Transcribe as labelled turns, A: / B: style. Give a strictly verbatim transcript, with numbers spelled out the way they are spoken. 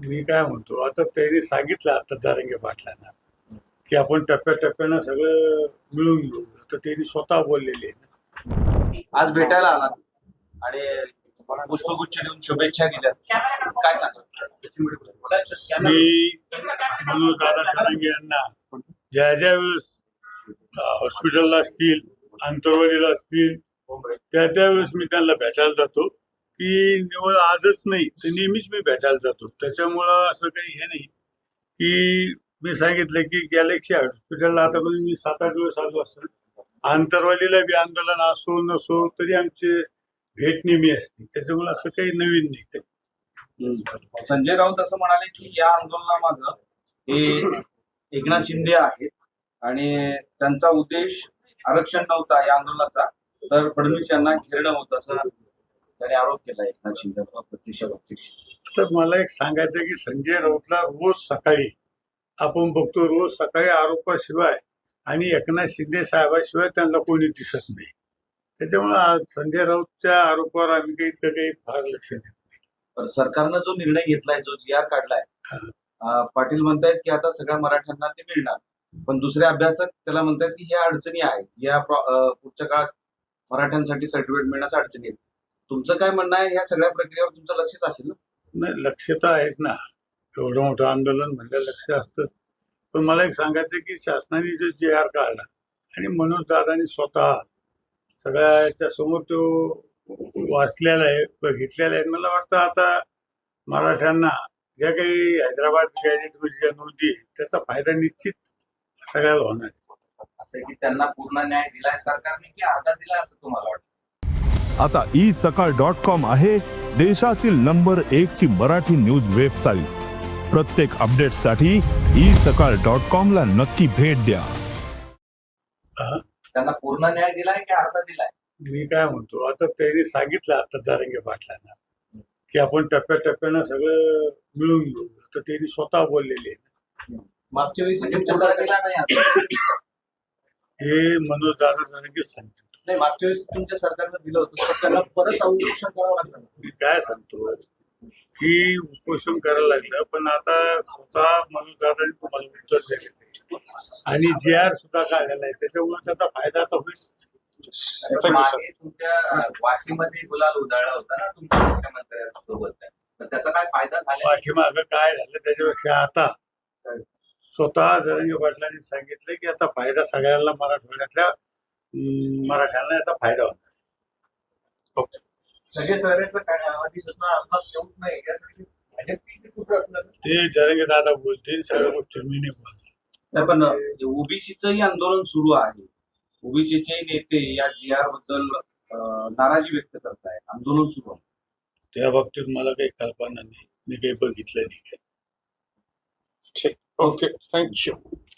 A: मी काय म्हणतो, आता त्यांनी सांगितलं आता जरांगे पाटलांना की आपण टप्प्याटप्प्यानं सगळं मिळून घेऊ, तर त्यांनी स्वतः बोललेले आहे.
B: आज भेटायला आलात आणि पुष्पगुच्छ देऊन शुभेच्छा दिल्या, काय सांगा?
A: मी मनोज दादा जरांगे यांना ज्या ज्या वेळेस हॉस्पिटलला असतील, आंतरवालीला असतील, त्या त्यावेळेस मी त्यांना भेटायला जातो. की निवड आजच नाही तर नेहमीच मी भेटायला जातो. त्याच्यामुळं असं काही हे नाही की मी सांगितलं की गॅलेक्सी हॉस्पिटलला आता मी सात आठ दिवस आलो असेल. आंतरवालीला बी आंदोलन असो नसो तरी आमचे भेट नेहमी असते. त्याच्यामुळे असं काही नवीन नाही.
B: संजय राऊत असं म्हणाले की या आंदोलनामागं हे एकनाथ शिंदे आहेत आणि त्यांचा उद्देश आरक्षण नव्हता या आंदोलनाचा, तर फडणवीस यांना घेरणं होतं असं त्याने आरोप केला एकनाथ शिंदे अप्रत्यक्ष प्रत्यक्ष.
A: तर मला एक सांगायचं की संजय राऊतला रोज सकाळी आपण बघतो, रोज सकाळी आरोपाशिवाय आणि एकनाथ शिंदे साहेबाशिवाय त्यांना कोणी दिसत नाही. त्याच्यामुळे संजय राऊतच्या आरोपावर आम्ही काही इतकं काही फार लक्ष देत नाही.
B: तर सरकारनं जो निर्णय घेतलाय, जो जी आर काढलाय, पाटील म्हणतायत की आता सगळ्या मराठ्यांना ते मिळणार, पण दुसरे अभ्यासक त्याला म्हणतात की ह्या अडचणी आहेत, या पुढच्या काळात मराठ्यांसाठी सर्टिफिकेट मिळण्याच्या अडचणी आहेत. तुमचं काय म्हणणं आहे? ह्या सगळ्या प्रक्रियेवर तुमचं लक्षच असेल ना?
A: नाही, लक्ष तर आहेच ना. एवढं मोठं आंदोलन म्हणजे लक्ष असतं. पण मला एक सांगायचं की शासनाने जो जी आर काढला आणि मनोज दादानी स्वतः सगळ्याच्या समोर तो वाचलेला आहे, बघितलेला आहे. मला वाटतं आता मराठ्यांना ज्या काही हैदराबाद गॅजेटमध्ये ज्या नोंदी त्याचा फायदा निश्चित सगळ्याला होणार.
B: असं की त्यांना पूर्ण न्याय दिलाय सरकारने की अर्धा दिला असं तुम्हाला वाटतं?
C: आता ई सकाळ डॉट कॉम आहे देशातील नंबर एक ची मराठी न्यूज वेबसाईट. प्रत्येक अपडेटसाठी ई सकाळ डॉट कॉम ला नक्की भेट द्या.
B: त्यांना पूर्ण न्याय दिलाय की अर्धा दिलाय?
A: मी काय म्हणतो, आता त्यांनी सांगितलं आता जरांगे पाटलांना की आपण टप्प्याटप्प्यानं सगळं मिळून घेऊ, तर त्यांनी स्वतः बोललेले आहे.
B: मागच्या वेळेस दिला नाही,
A: हे मनोज दादा जरांगे सांगतो.
B: नाही, मागच्या वेळेस तुमच्या सरकारनं दिलं होतं तर त्यांना परत उपोषण करावं लागलं.
A: मी काय सांगतो की उपोषण करायला लागलं, पण आता स्वतः मनोज दादांनी तुम्हाला उत्तर दिले आणि जी आर सुद्धा काढलेला आहे. त्याच्यामुळे त्याचा फायदा आता होईल.
B: मागे तुमच्या वाशीमध्ये गुलाल उधळला होता ना तुमच्या मुख्यमंत्र्यांसोबत, तर त्याचा काय फायदा झाला?
A: पाठीमागं काय झालं त्याच्यापेक्षा आता स्वतः जरांगे पाटलांनी सांगितलं की याचा फायदा सगळ्यांना, मराठवाड्यातल्या मराठ्यांना याचा फायदा होता. ते जरांगे दादा बोलतील, सगळ्या गोष्टी मी नाही बोलतो.
B: पण ओबीसीचंही आंदोलन सुरू आहे. ओबीसीचे नेते या जी आर बद्दल नाराजी व्यक्त करतायत, आंदोलन सुरू आहे.
A: त्या बाबतीत मला काही कल्पना नाही, मी काही बघितलं नाही.
D: ठीक, ओके, थँक्यू.